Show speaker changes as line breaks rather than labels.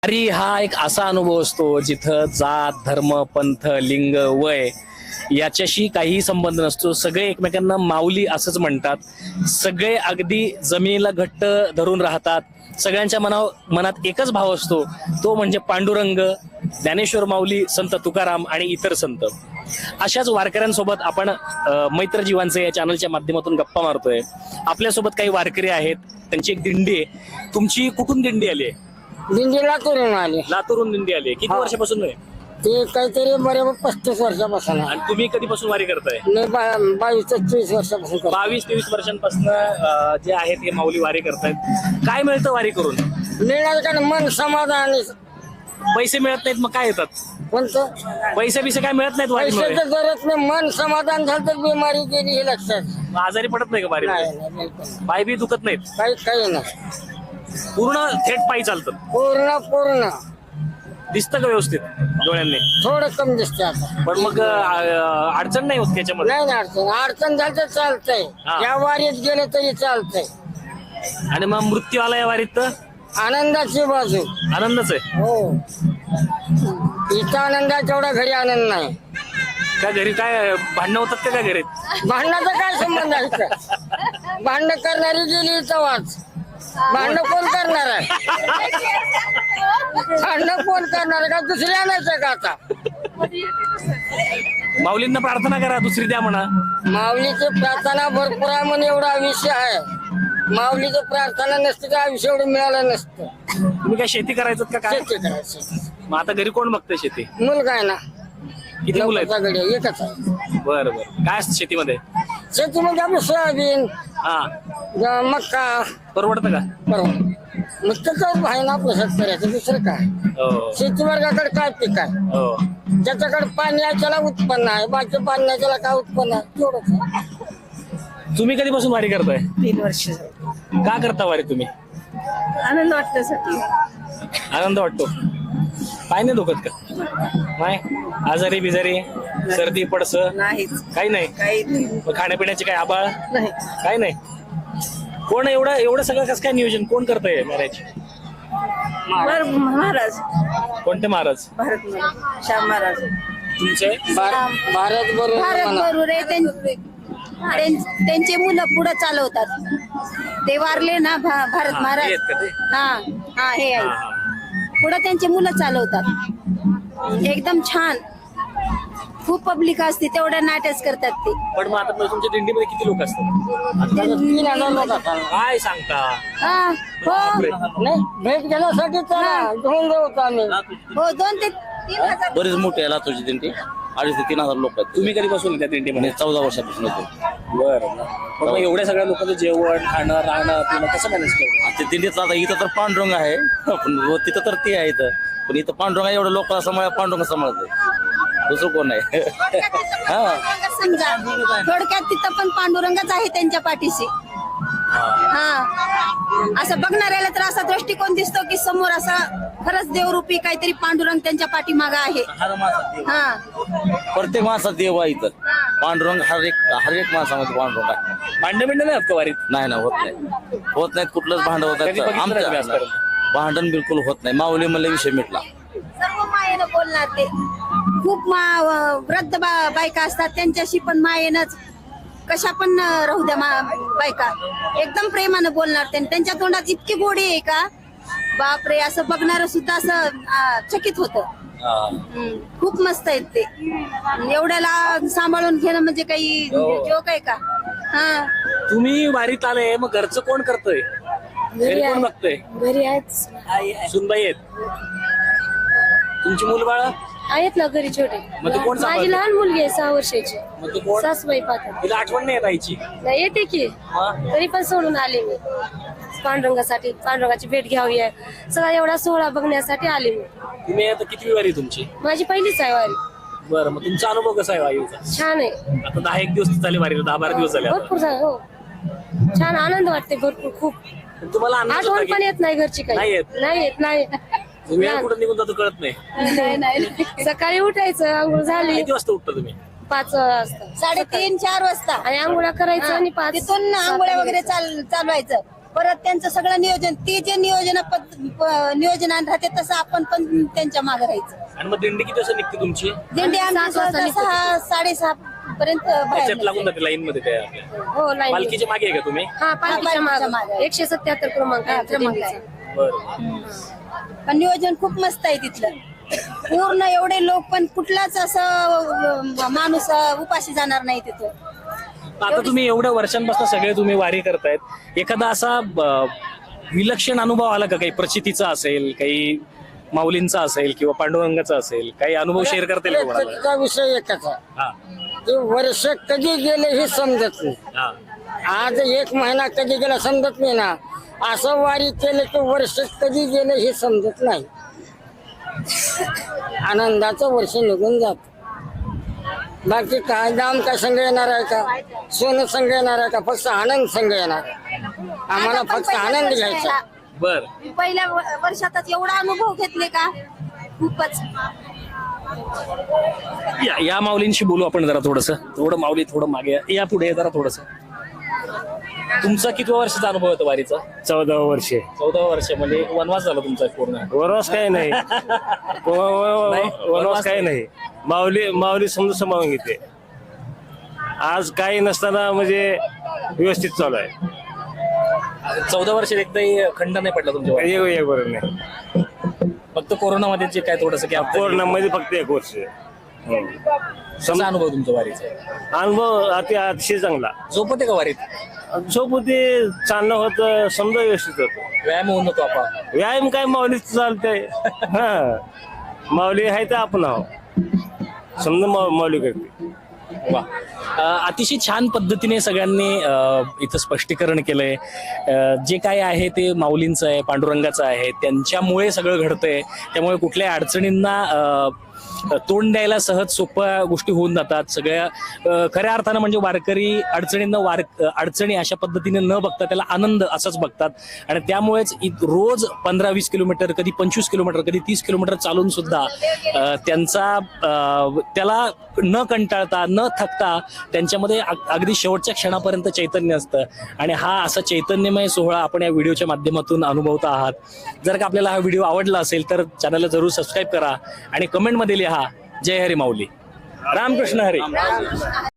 वारी हा एक असा अनुभव असतो जिथं जात धर्म पंथ लिंग वय याच्याशी काही संबंध नसतो. सगळे एकमेकांना माऊली असंच म्हणतात. सगळे अगदी जमिनीला घट्ट धरून राहतात. सगळ्यांच्या मनात एकच भाव असतो, तो म्हणजे पांडुरंग, ज्ञानेश्वर माऊली, संत तुकाराम आणि इतर संत. अशाच वारकऱ्यांसोबत आपण मैत्र जीवांचे या चॅनलच्या माध्यमातून गप्पा मारतोय. आपल्यासोबत काही वारकरी आहेत, त्यांची एक दिंडी आहे. तुमची कुठून दिंडी आली आहे?
दिंडी लातूरून आली.
लातूरून दिंडी आली. किती वर्षापासून आहे?
ते काहीतरी बरोबर 35 वर्षापासून आहे.
आणि तुम्ही कधीपासून वारी करताय?
मी 22 ते 23 वर्षापासून करतो.
22-23 वर्षांपासून जे आहेत हे माऊली वारी करतायत. काय मिळतं वारी करून?
मिळालं का मन समाधान.
पैसे मिळत नाहीत, मग काय येतात?
कोणतं
पैसे काय मिळत नाहीत वारीमुळे?
पैशाचं गरज नाही, मन समाधान झालं तर बिमारी गेली हे लक्षात.
मग आजारी पडत नाही का वारी?
नाही नाही, बिलकुल नाही.
पाय बी दुखत नाहीत?
काही नाही,
पूर्ण थेट पायी चालतं?
पूर्ण
दिसतं का व्यवस्थित डोळ्यांनी?
थोडं कमी दिसते आता.
पण मग अडचण नाही होत त्याच्यामध्ये?
नाही अडचण झाली तर चालतंय.
हा.
या वारीत गेले तरी चालतंय.
आणि मग मृत्यू आला या वारीत तर
आनंदाची बाजू.
आनंदच आहे.
हो, इथं आनंद आहे तेवढा घरी आनंद नाही.
का घरी काय भांडणं होतात का घरी?
भांडणाचा काय संबंध आहे इथं? भांडण करणारी गेली इथं वाच. भांडण कोण करणार आहे? भांडण कोण करणार आहे का? दुसरी आणायचं का आता?
माऊलींना प्रार्थना करा, दुसरी द्या म्हणा.
माऊलीची प्रार्थना भरपूर आहे म्हणून एवढा विषय आहे. माऊलीची प्रार्थना नसते तर आयुष्य एवढं मिळालं नसतं.
तुम्ही काय शेती करायचं का काय?
शेती करायची.
मग आता घरी कोण बघतंय शेती?
मुलगा आहे ना.
किती मुलं आहेत?
लवकरचा एकच आहे.
बरं काय असतं शेतीमध्ये?
शेतीमध्ये आपलं सोयाबीन,
हा,
मक्का.
परवडतं का?
बरोबर. नुसतं आहे ना आपलं शेतकऱ्याचं, दुसरं काय?
हो
शेती वर्गाकडे काय पीक आहे?
हो.
ज्याच्याकडे पाणी आहे त्याला उत्पन्न आहे, बाकी पाणी नाही त्याला काय उत्पन्न आहे? तेवढंच आहे.
तुम्ही कधीपासून वारी करताय?
3 वर्ष.
का करता वारी तुम्ही?
आनंद वाटण्यासाठी.
आनंद वाटतो. काय नाही दुखत का? नाही आजारी बिजारी सर्दी पडस
नाहीच,
काही नाही?
काही नाही.
मग खाण्यापिण्याचे काय आबाळ?
नाही.
काय नाही. कोण एवढं सगळं कसं काय नियोजन कोण करतंय मॅरेज?
महाराज.
कोणते महाराज?
भारत महाराज, श्याम महाराज.
तुमचे?
भारत
भारत
बरोबर.
बरोबर त्यांचे मुलं पुढे चालवतात. ते वारले ना भारत
हा,
महाराज.
हे आहेत का ते?
हा हे
हा,
आहे.
हा.
पुढे त्यांचे मुलं चालवतात. एकदम छान. खूप पब्लिक असते, तेवढ्या नाट्यच करतात ते.
पण मग आता तुमच्या दिंडीमध्ये किती लोक असतात?
3,000 लोक असतात.
काय सांगता?
हा हो
नाही, भेट घेण्यासाठी तर घेऊन जाऊ आम्ही.
हो 2 ते 3 हजार.
बरीच मोठी आहे लातूरची दिंडी. 2,500 ते 3,000 लोक आहेत.
तुम्ही कधीपासून त्या दिंडीमध्ये?
म्हणजे 14 वर्षापासून होतो.
बरं. पण मग एवढ्या सगळ्या लोकांचं जेवण खाणं राहणं पिणं कसं मॅनेज करतो?
ते दिंडीत आता इथं तर पांडुरंग आहे, पण तिथं तर ते आहे इथं. पण इथं पांडुरंग आहे, एवढं लोकांना सांभाळ पांडुरंग सांभाळतंय, दुसरं कोण नाही. हा,
समजा थोडक्यात तिथं पण पांडुरंगच आहे त्यांच्या पाठीशी. हा, असं बघणाऱ्याला तर असा दृष्टिकोन दिसतो की समोर असा खरंच देवरूपी काहीतरी पांडुरंग त्यांच्या पाठीमागं आहे. हा,
प्रत्येक माणसात देव आहे इथं. पांडुरंग हर एक माणसामध्ये पांडुरंग आहे.
भांडण बिंड नाही का वारीत?
नाही होत नाहीत कुठलंच भांडण होत
कधी बघितलं नाही तुम्ही
आमच्या
आजपर्यंत?
भांडण बिलकुल होत नाही. माऊली म्हणले विषय मिटला.
सर्व मायेनं बोलणार ते. खूप वृद्ध बायका असतात, त्यांच्याशी पण मायेनच कशा पण राहू द्या बायका एकदम प्रेमानं बोलणार. त्यांच्या तोंडात इतकी गोडी आहे का बापरे, असं बघणार सुद्धा असं चकित होतं. खूप मस्त आहेत ते. एवढ्याला सांभाळून घेणं म्हणजे काही जोक आहे का? हा,
तुम्ही वारीत आले, मग घरचं कोण करतोय? घरी कोण बघतोय?
घरी आहेत.
सुनबाई आहेत. तुमची मूल बाळ
आहेत ना घरी छोटे.
मग ते कोण सांभाळतं?
माझी लहान मुलगी आहे 6 वर्षाची.
मग ते कोण?
सासूबाई पाहतात.
तिला आठवण नाही येत आईची?
नाही येते की,
हा?
तरी पण सोडून आले मी पांडुरंगासाठी. पांडुरंगाची भेट घ्यावी आहे, सगळा एवढा सोहळा बघण्यासाठी आले मी.
तुम्ही आता किती वारी तुमची?
माझी पहिलीच आहे वारी.
बरं, मग तुमचा अनुभव कसा आहे वारीचा?
छान आहे.
आता 10-1 दिवस झाले वारीला, 10-12 दिवस झाले आता.
भरपूर हो, छान आनंद वाटते भरपूर. खूप
पण तुम्हाला आनंद होता
आठवण
की?
पण येत नाही घरची काही.
नाही येत?
नाही
वेळ कुठं निघून जातो कळत नाही.
नाही. सकाळी उठायचं, आंघोळ झाली
किती वाजता उठता तुम्ही?
5 वाजता,
3:30-4 वाजता
आणि आंघोळा करायचं आणि 5
तिथून आंघोळ्या वगैरे चालवायचं. परत त्यांचं सगळं नियोजन, ते जे नियोजनात राहते तसं आपण पण त्यांच्या मागे राहायचं.
आणि मग दिंडी किती वाजता निघते तुमची?
दिंडी आमची 6-6:30 पर्यंत बाहेर
त्याच्यात लागून जाते लाईन मध्ये त्या आपल्या.
हो लाईन.
पालखीच्या मागे आहे का तुम्ही?
हा पालखीच्या
पालखीच्या
मागे
मागे.
177 क्रमांक आहे आमच्या
क्रमांक
दिंडीचा.
आहे.
बरं.
पण नियोजन खूप मस्त आहे तिथलं. पूर्ण एवढे लोक, पण कुठलाच असं माणूस उपाशी जाणार नाही तिथं.
आता तुम्ही एवढ्या वर्षांपासून सगळे तुम्ही वारी करतायत, एखादा असा विलक्षण अनुभव आला का? काही प्रचितीचा असेल, काही माऊलींचा असेल किंवा पांडुरंगाचा असेल, काही अनुभव शेअर करता येईल का कोणाला?
त्याचा विषय एकच आहे,
हा,
ते वर्ष कधी गेले हे समजत नाही.
हा.
आज 1 महिना कधी गेला समजत नाही ना. असं वारी केलं की वर्ष कधी गेलं हे समजत नाही. आनंदाचं वर्ष निघून जात. बाकी काय दाम काय संघ येणार आहे का, सोनं संघ येणार आहे का, फक्त आनंद संघ येणार आहे. आम्हाला फक्त आनंद घ्यायचा.
बर.
पहिल्या वर्षातच एवढा अनुभव घेतले का, खूपच.
या माऊलींशी बोलू आपण जरा थोडस. थोडं माऊली थोडं मागे या, पुढे या जरा थोडस. तुमचा किती वर्षाचा अनुभव होता वारीचा?
14 वर्षे.
14 वर्ष म्हणजे वनवास झाला तुमचा पूर्ण?
वनवास काही नाही. वनवास काही नाही. माऊली समजून सांभाळून घेते. आज काही नसताना म्हणजे व्यवस्थित चालू आहे.
14 वर्षात एकदाही खंड नाही पडला तुमच्या वारीत?
एक बरोबर नाही.
फक्त कोरोनामध्ये जे काय थोडस
कोरोनामध्ये फक्त 1 वर्ष.
कसा अनुभव तुमचा वारीचा?
अनुभव अतिशय चांगला.
झोपते का वारीत?
झोपते, चालणं होतं, समजा व्यवस्थित होतं.
व्यायाम होऊन जातो आपण?
व्यायाम काय माऊलीच चालतंय. हा, माऊली आहे तर आपण आहो, समजा माऊली करते.
वा. अतिशय छान पद्धतीने सगळ्यांनी इथं स्पष्टीकरण केलंय. जे काय आहे ते माऊलींचं आहे, पांडुरंगाचं आहे, त्यांच्यामुळे सगळं घडतंय. त्यामुळे कुठल्याही अडचणींना तोंड द्यायला सहज सोप्या गोष्टी होऊन जातात. सगळ्या खऱ्या अर्थानं म्हणजे वारकरी अडचणी अशा पद्धतीने न बघता त्याला आनंद असाच बघतात. आणि त्यामुळेच रोज 15-20 किलोमीटर, कधी 25 किलोमीटर, कधी 30 किलोमीटर चालून सुद्धा त्याला न कंटाळता न थकता त्यांच्यामध्ये अगदी शेवटच्या क्षणापर्यंत चैतन्य असतं. आणि हा असा चैतन्यमय सोहळा आपण या व्हिडिओच्या माध्यमातून अनुभवता आहात. जर का आपल्याला हा व्हिडिओ आवडला असेल तर चॅनलला जरूर सबस्क्राईब करा आणि कमेंटमध्ये लिहा जय हरी माऊली. रामकृष्ण हरी.